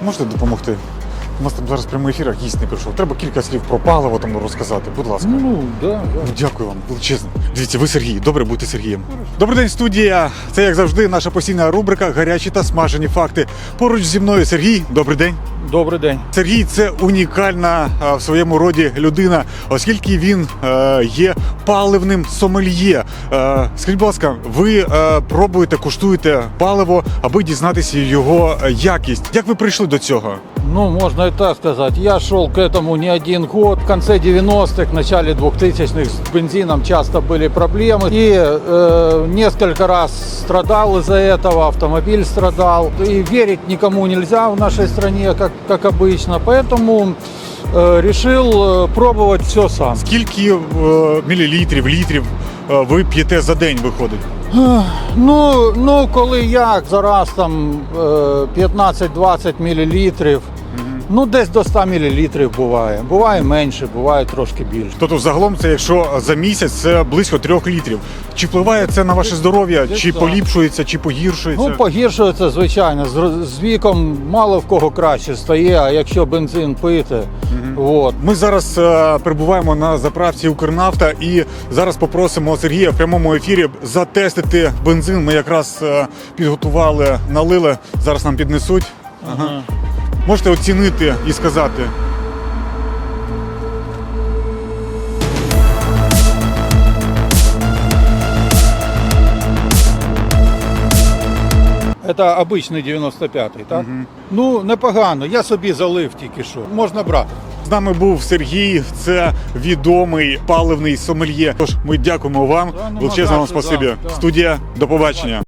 Можете допомогти? У нас там зараз прямий ефір, гість не прийшов. Треба кілька слів про паливо там розказати. Будь ласка. Да. Дякую вам величезно. Дивіться, ви Сергій. Добре бути Сергієм. Добрий день, студія. Це, як завжди, наша постійна рубрика «Гарячі та смажені факти». Поруч зі мною Сергій. Добрий день. Добрий день. Сергій – це унікальна в своєму роді людина, оскільки він є паливним сомельє. Скажіть, будь ласка, ви пробуєте, куштуєте паливо, аби дізнатися його якість. Як ви прийшли до цього? Ну, можно и так сказать. Я шел к этому не один год. В конце 90-х, в начале 2000-х с бензином часто были проблемы. И несколько раз страдал из-за этого, автомобиль страдал. И верить никому нельзя в нашей стране, как обычно. Поэтому решил пробовать все сам. Скільки мілілітрів, літрів ви п'єте за день виходить? Ну, коли як, зараз там 15-20 мл. Ну, десь до 100 мл буває. Буває менше, буває трошки більше. Тобто загалом це, якщо за місяць, це близько 3 літрів. Чи впливає це на ваше здоров'я? Чи поліпшується, чи погіршується? Ну, погіршується, звичайно. З віком мало в кого краще стає, а якщо бензин пити. От. Ми зараз перебуваємо на заправці «Укрнафта» і зараз попросимо Сергія в прямому ефірі затестити бензин. Ми якраз підготували, налили, зараз нам піднесуть. Ага. Можете оцінити і сказати. Це обичний 95-й, так? Ну, непогано. Я собі залив тільки що. Можна брати. З нами був Сергій, це відомий паливний сомельє. Тож ми дякуємо вам. Да, нема Величезне вам за що, спасибі. да. Студія, до побачення.